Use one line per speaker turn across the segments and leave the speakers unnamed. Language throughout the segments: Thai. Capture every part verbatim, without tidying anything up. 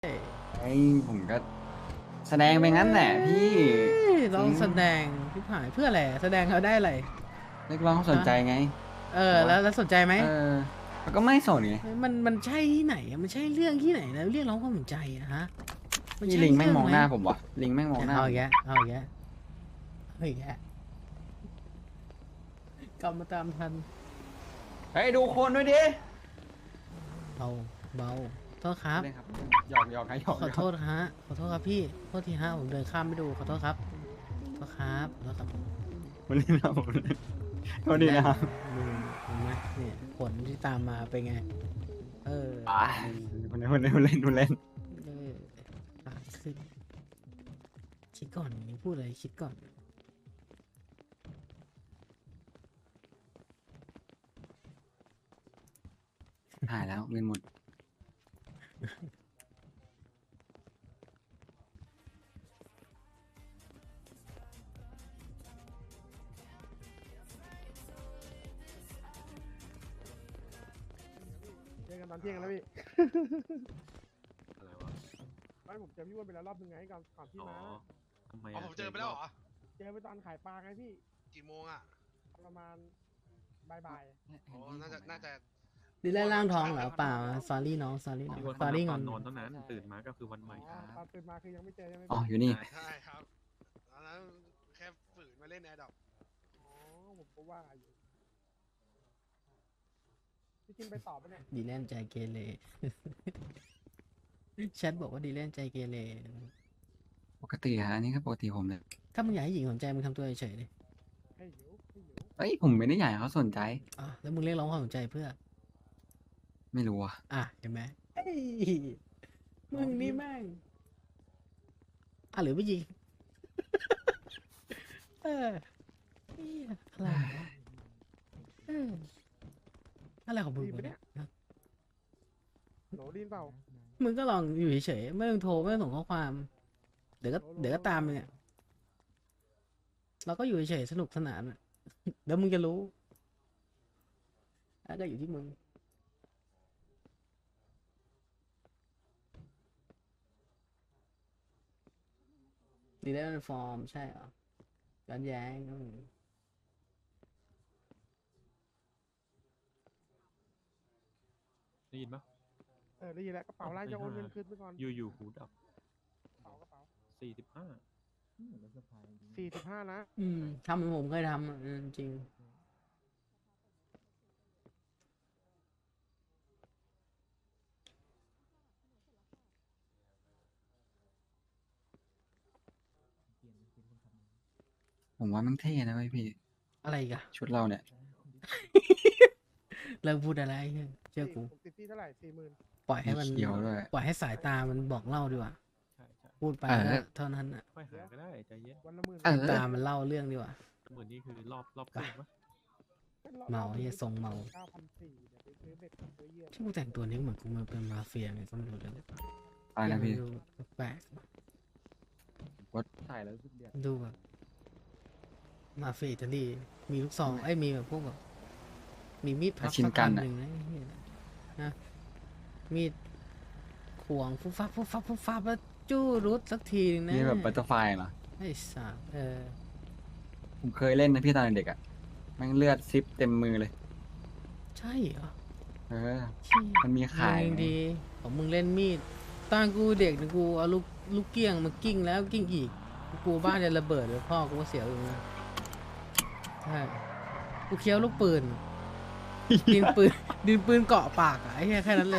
ไอ้ผมก็แสดงไปงั้นแหละพี่
ลองแสดงที่ผ่านเพื่ออะไรแสดงเขาได้อะไร
เรียกร้องเขาสน
ฮะ
ใจไง
เออ
บอกว่า
แล้วแล้วสนใจไหม
เออมันก็ไม่สนไง
มันมันใช่ที่ไหนอะมันใช่เรื่องที่ไหนนะเรียกร้องความสนใจอะฮะมัน
พี่
ใช่
ลิงแม่งมอง
เรื่องไหม
หน้าผมวะลิงแม่งมองหน้า
เอา
ผม
อีกแล้วเอาอีกแล้วเอาอีกแล้วกลับมาตามทัน
เฮ้ยดูคนด้วยดิ
เบาเบาโทษครับ
เล่นครับหยอกหยอกนะหยอกหยอก
ขอโทษฮะขอโทษครับพี่โทษทีฮะผมเดินข้ามไปดูขอโทษครับขอโทษครับขอโทษครับ
มันเล่นนะผมเล่นโทษดีนะครับ
มึงเห็นไหมเนี่ยผลที่ตามมาเป็นไงเออ
อ่าคนเล่นคนเล่นคนเล่นคนเล่น
เออปากขึ้นคิดก่อนพูดอะไรคิดก่อน
หายแล้วเงินหมด
เจอกันตอนเที่ยงแล้วพี่
อะไรวะ
ไม่ผมเจอพี่อ้วนไปแล้วรอบนึงไงก่อนก่อนพี่
อ๋อ
มา
ทำไม
อ๋อ
อะ
ผมเจอไปแล้วเหรอ
เจอไปตอนขายปลาไงพี่
กี่โมงอ่ะ
ประมาณบ่าย
อ๋อ น่าจะ น่าจะ
ดีแลร่างทองเหรอเปล่าสอรี่น้องสอรี่น้อง
พี่ว่า
สอรี่ง
ต
อ
อน นนอนเท่านั้น ตื่นมาก็คือวัน
ๆ
ใหม่
อ๋อตอนตื่นมาคือยังไม่เจอใช่ไหม
อ๋อ
พี่
อยู่นี่
ใช่ครับตอนนั้นแค่ฝืนมาเล่นแอร์ดรอป
อ๋อผมก็ว่าอยู่พี่กินไปตอบปะเนี่ย
ดีแลนใจเกเร แชทบอกว่าดีแลนใจเกเร
ปกติฮะอันนี้ก็ปกติผมเลย
ถ้ามึงอยากให้หญิงสนใจมึงทำตัวเฉยๆดิ
ให้หิวให้หิว
เอ้ยผมไม่ได้อยากให้เขาสนใจ
อ่ะแล้วมึงเรียกร้องความสนใจเพื่อ
ไม่รู้อ่ะ
อ่ะเห็นไหมเอ้ยมึงนี่แม่งอ่ะหรือไม่ยิง เออเหี้ยอะไรวะเอออะไรของมึงวะเนี่ย
โหลดีนเปล่า
มึงก็ลองอยู่เฉยๆไม่ต้องโทรไม่ต้องส่งข้อความ เดี๋ยวก็เดี๋ยวก็ตามไปเนี่ย เราก็อยู่เฉยๆสนุกสนานอะ เดี๋ยวมึงจะรู้แล้วก็อยู่ที่มึงดีได้เป็นฟอร์มใช่เหรอย้อนแย้งอืม
ได้ยินปะ
เออได้ยินแล้วกระเป๋าไล่จะโอนเงินคืนไปก่อน
อยู่อยู่หูดับ
กระเป๋ากระเป๋า
สี่สิบห้า
สี่สิบห้านะ
อืมทำเหมือนผมเคยทำอะอืมจริง
ผมว่ามันเท่นะเว้ยพี่
อะไรอีกอะ
ชุดเราเนี่ย
เลิกพูดอะไรเชื่อกู
ผมติดที่เท่าไหร่สี่หมื่น
ปล่อยให้มัน
มีเขียวด้วย
ปล่อยให้สายตามันบอกเล่าดีกว่า
ใช่ใช่
พูดไป
เออ
ก็เท่านั้นอะ
ค่อยหาก็ได้ใจเย็น
วันละหมื่น
เออ
ตามันเล่าเรื่องดีกว่า
เหมือนนี่คือรอบรอบครึ่งปะ
เมาเหี้ยทรงเมา
เก้าพันสี่เดี๋ยวไปซื้อเบ็ดซื้อเหยื่อ
ที่กูแต่งตัวนี้เหมือนกูมาเป็นมาเฟียไงก็ไม่รู้เลย
อะไรนะพี่
ดูแปลก
วัดใส่แล้วสุดเดียว
ๆดูแบบมาเฟียอิตาลีมีลูกซองไอ้ยมีแบบพวกแบบมีมีดพับ
ชิน
สัก
กั
อั
น
น
อะ
หนึ่งนะไอ้เหี้ยนะมีดขวงฟุบฟับฟุบฟับฟุบฟับแล้วจู้รุดสักทีนึงนะ
นี่แบบบัตเตอร์ไฟเหรอ
ไอ้สัสเออ
ผมเคยเล่นนะพี่ตอนเด็กอ่ะแม่งเลือดซิปเต็มมือเลย
ใช่เหรอ
เออ
เชี่ย
มันมีขาย
มึงดีของมึงเล่นมีดตอนกูเด็กนะกูเอาลูกลูกเกี้ยงมากิ้งแล้วกิ้งอีกกูบ้านจะระเบิดเลยพ่อกูก็เสียอยู่นะใช่กูเคี้ยวลูกปืนดินปืนดินปืนเกาะปากอะไอ้เหี้ยแค่นั้นเลย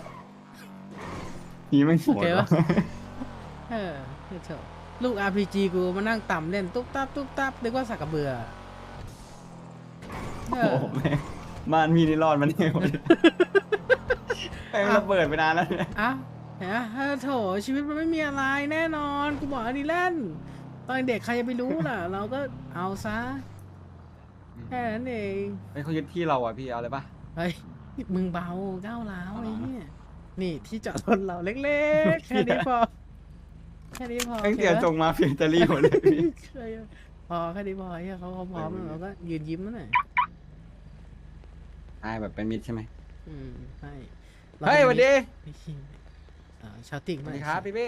นี่ไม่งโห
โอ
ด
เค
ว่ะ
ปะ เออเถอะลูก อาร์ พี จี กูมานั่งต่ำเล่นตุ๊บตับตุ๊บตับนึกว่าสักกระเบือเอ
โอ้
อ
โหแม่งบ้านพี่นี่รอดมันเนี่ยหมดเลยแม่งระเบิดไปนานแล้วเนี่ย
อ่ะเห็นไหมเออโถชีวิตมันไม่มีอะไรแน่นอนกูบอกอันนี้เล่นตอนเด็กใครจะไปรู้ล่ะ เราก็เอาซะแค่นั้นเอง
เฮ้ยเขายึดที่เราอ่ะพี่เอาเลยปะ
เฮ้ยมึงเบาก้าวร้าว
เอา
ไอ้
เหรอ
เนี่ยนี่ที่จอดรถเราเล็กๆ แค่นี้พอแค่นี้พอ
แม่งเสีย
โอค
จ
ปะ
งมาเฟียอิตาลีหมดเลยพี่
เคยพอแค่นี้พอเฮียเขาเขาพร้อมแล้วเราก็ยืนยิ้มนั่นแหละ
ใช่แบบเป็นมิตรใช่ไหม
อืมใช่
เฮ้ยสวัสดี
ไอ้เหี้ยอ่าชาวติ่ง
ส
มา
วัสดีครับพี่พี่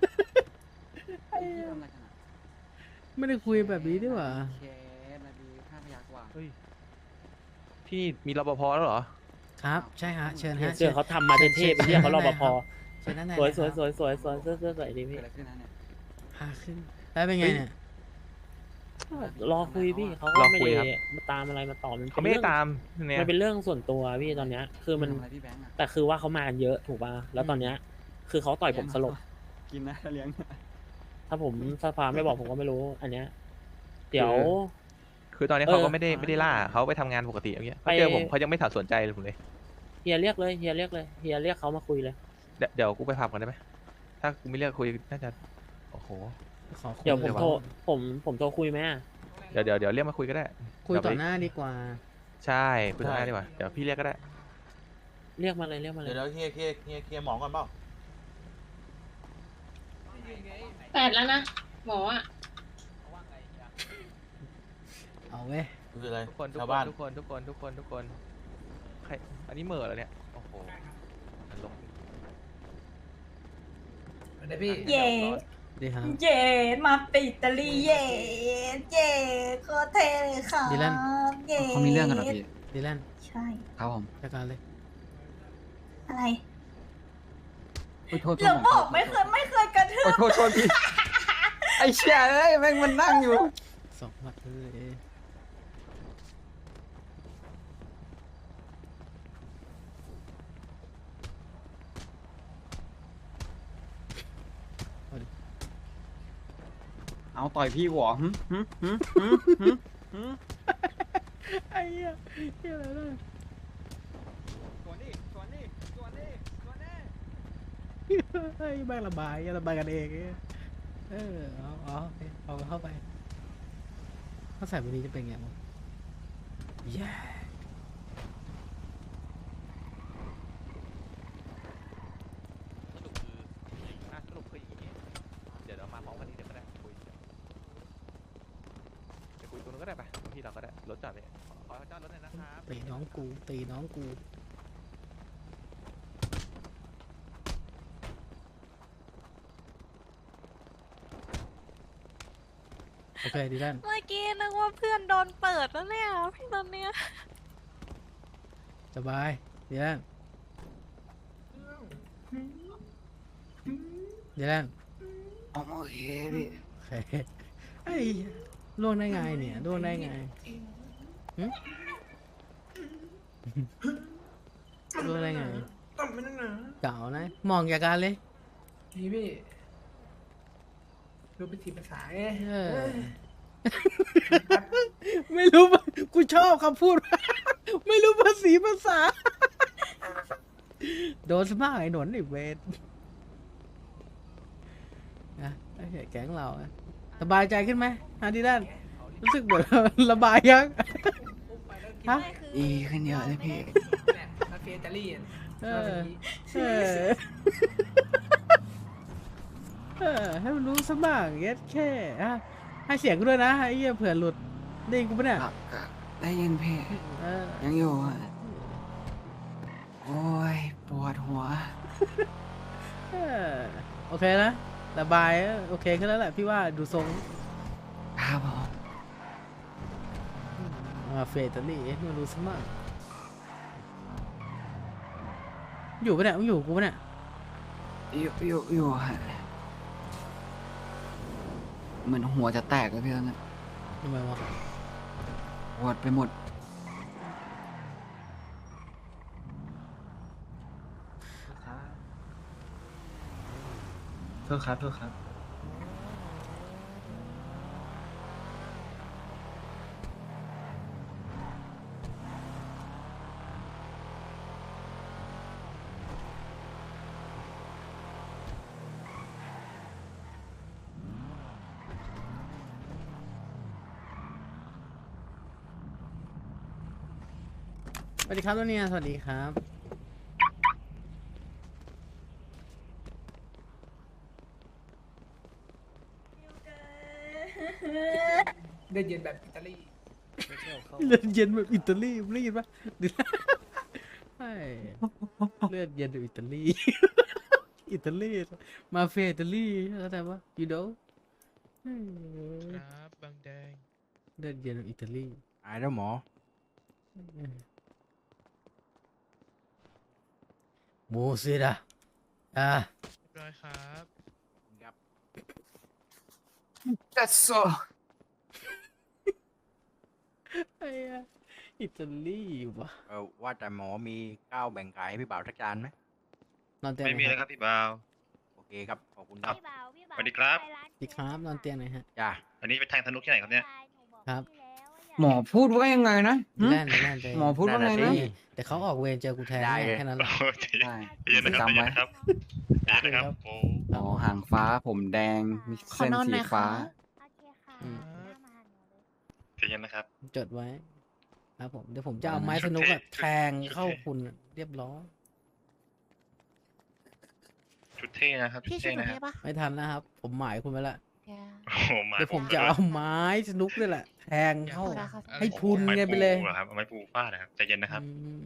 ไม่ได้คุยแบบนี้ดีกว่า
เคสมาดีห้าพยักว่า
เฮ้ยพี่มีรปภแล้วเหรอ
ครับ ใช่ฮะเชิญฮะ
เสื้อเขาทำมาเท่ๆไปเรียกเขารปภ
เชิญด้านใน
สวย
นะ
สวย
ครับ
สวยสวยสวยเสื้อเสื้อสวยดี
เกิ
พี่
ดอะไรขึ้นนะเนี่ย
พาขึ้นแล้วเป็นไงเนี่ย
รอคุยพี่เขา
ร
ก็
อ
ไม่
คุย
ได้
ครับ
มาตามอะไรมาต่อมัน
เขา
เป็น
ไม่
เรื่
ได้
อง
ตามเนี่ย
มันเป็นเรื่องส่วนตัวพี่ตอนเนี้ย คือมัน
ทำอะไรพี่แบงค์อะ
แต่คือว่าเขามากันเยอะถูกป่ะแล้วตอนเนี้ยคือเขาต่อยผมสลบ
กินนะเลี้ยง
ถ้าผมสภาไม่บอกผมก็ไม่รู้ อันเนี้ยเดี๋ยว
คือตอนนี้
เออ
เขาก็ไม่ได้ไม่ได้ล่าเขาไปทำงานปกติอย่างเงี้ยเขาเจอ
ไป
ผมเขายังไม่ถัดสนใจเลยผมเลย
เฮียเรียกเลยเฮียเรียกเลยเฮียเรียกเขามาคุยเลย
เดี๋ยวเดี๋ยวกูไปพับกันได้ไหมถ้ากูไม่เรียกคุยน่าจะโอ้โห
ขอคุย
เดี๋ยวผม
ล
โทรผมผมโทรคุยไหมอะ
เดี๋ยวเดี๋ยวเดี๋ยวเรียกมาคุยก็ได้
คุยต่อ
เดี๋วไป
หน้าดีกว่า
ใช่คุยต่อหน้าดีกว่าเดี๋ยวพี่เรียกก็ได้
เรียกมาเลยเรียกมาเล
เดี๋ย
ยว
เดี๋ยวเคลียร์เคลียร์เคลียร์เคลียร์หมอก่อนเปล่า
แปดแล้วนะ หมออ่ะ
เอาเว้ย
คืออะไร
ทุกคนทุก
ชาว
ค
บ้าน น
ทุกคนทุกคนทุกคนทุกคนใครอันนี้เหม่อแล้วเนี่ยโอ้โหนรก
เย่
ดีครับ
เย่มาปิดอิตาลีเย่เย่โคตรเท่เลยค่ะ
ดีแลน
เย่
เขามีเรื่องกันเหรอพี่
ดีแลน
ใช่
ครับผม
จัดการเลย
อะไร
โอ้ยโทษโทษ
เราบอกไม่เคยไม่เคยกระทื
โอ้
บ
ยโทษโทษพี่ไอ้เชี่ยเอ้ยแม่งมันนั่งอยู่
สองหมัดเลยเอาดิ
เอาต่อยพี่หัวหึหึหึหึหึหึ
ไอ้เหี้ยเหี้ยอะไรเนี่ย
สวนดิสวนดิสวนดิสวนดิ
ไอ้แม่งระบายระบายกันเองไอ้เออเอาเอาโอเคเอาเข้าไปถ้าใส่แบบนี้จะเป็นไงมั้งแย่
สรุปคืออ่ะสรุปคืออย่างนี้เดี๋ยวเรามาพร้อมกันนี้เดี๋ยวก็ได้คุยเดี๋ยวคุยตรงนู้นก็ได้ไปตรงที่เราก็ได้รถจอดเลยขอขอจอดรถหน่อยนะครับ
ตีน้องกูตีน้องกูโอเคดีแล้ว
เมื่อกี้นึกว่าเพื่อนโดนเปิดแล้วเนี่ยพี่ตอนเนี้ย
สบายดีแล้วดีแล้ว
โอเคพี่
โอเคไอ้ล่วงได้ไงเนี่ยล่วงได้ไงหึล่วงได้ไงเก่านะมองจากการเลย
พี่พี่ดูเป็นสีภาษาเอ๊ะ
เออ ไม่รู้ว่ากูชอบคำพูด ไม่รู้ภาษีภาษา โดนสมากไอ้หนนไอ้เวทนะไอ้เหี้ยแก๊งเราอะสบายใจขึ้นไหมฮาดีด้านรู้สึกเหมือน ระบายยัง ฮะ
ดีขึ้นเยอะเลยพี่
มาเฟียอิตาลีอ่ะ
เออเออเออให้มันรู้สมากเย็ดแค่อะให้เสียงกูด้วยนะไอ้เหี้ยเผื่อหลุดได้ยินกูปะเนี่ย
ได้ยินพี่
เออ
ยังอยู่อะโอ้ยปวดหัว
เออโอเคนะระบายอะโอเคขึ้นแล้วแหละพี่ว่าดูทรง
ครับผม
มาเฟตาลี่มาดูสมากอยู่ปะเนี่ยมึงอยู่กูปะเนี่ย
อยู่อยู่อยู่ฮะเหมือนหัวจะแตกเลยพี่ตอนนั้น
ทำไมวะ
ปวดไปหมด
โทษครับโทษครับ
สวัสดีครับตัวเนี้ยสวัสดีครับ
เลือดเย็นแบบอิตาลี
เลือดเย็นแบบอิตาลีมึงได้ยินปะดิใช่เลือดเย็นแบบอิตาลี อิอิตาลีมาเฟียอิตาลีเข้าใจปะ you know
ครับบางแดง
เดินเย็นอิตาลี
หายแล้วหมอ
มูซิดะอ่า
ร้อยครับ
That's so
ไอ้อะอิตาลีวะ
เออว่าแต่หมอมีข้าวแบ่งขายให้พี่บ่าวสักจานไหม
นอนเตียง
ไม่มี
ห
นะ
น่อย
ค
ค
รั
รับบ
พี่บ่าว
โอเคครับ ขอบคุณครับ
สวัสดีครับ
ดีครับนอนเตียงหน่อยฮะ
จ้า
อันนี้ไปแทงสนุกที่ไหนครับเนี่ย
ครับ
หมอพูดว่ายังไงนะหึ
แล่นแล่นใจ
หมอพูดว่าไงนะ
แต่เขาออกเวรเจอกูแทน
ได้เลย
แค่นั้นแหละ
โอ้ใจ
ได้
เย็นนะครับใจ
จำ
เย็
ไว้
นนะครับใจเย็นนะครับโอ้
หมอหางฟ้าผมแดง มีเส้นสีฟ้า
อืม
ใจเย็นนะครับ
จดไว้ครับผมเดี๋ยวผมจะเอาไม้สนุกอะแทงเข้าคุณอะเรียบร้อย
ชุดเท่นะครับชุดเท่นะครับ
ไม่ทันนะครับ ผมหมายคุณไว้ละ
โอ้โหมา
เดี๋ยวผมจะเอาไม้สนุกนี่แหละ แทงเข้า ให้พรุน
ไม้
ไงไปเลย
ปูหรอครับเอาไม้ปูฟาดนะครับใจเย็นนะครับ
อืม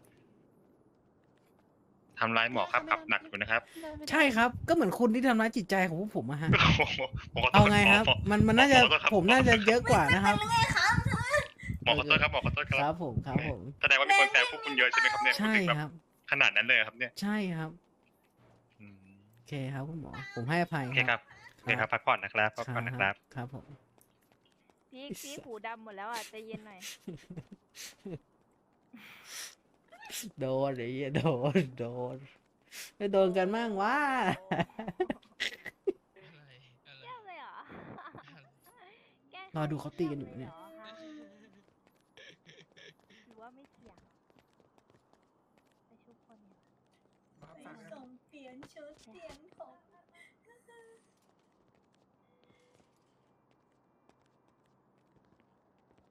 ทำร้ายหมอครับขับหนักอยู่นะครับ
ใช่ครับ ก็เหมือนคุณที่ทำร้ายจิตใจของพวกผมอะฮะ
โอ้โหหมขโทษ
เอาไงครับ
หมอ
มันมันน่าจะ
หขอโทษครับ
ผมน่าจะเยอะกว่านะครับ
หมอขอโทษครับหมอขอโทษค
ค
รั
รั
บบ
ผมครับผม
แสดงว่ามีคนแซวพวกคุณเยอะใช่ไหมครับเนี่ย
ใช่
ถึงแบบ
ครับ
ขนาดนั้นเลยครับเนี่ย
ใช่ครับ
อืม
โอเคครับคุณหมอ ผมให้อภัย
โอเคครับโอเคครับพักผ่อนนะครับพักผ่อนนะครับ
ครับผม
พี่พี่หูดำหมดแล้วอ่ะใจเย็นหน่อย
โดนไอ้เหี้ยโดนโดนไม่โดนกันมั่งวะ
เยี่ยมเลยเหรอ
รอดูเขาตีกันอยู่เนี่ย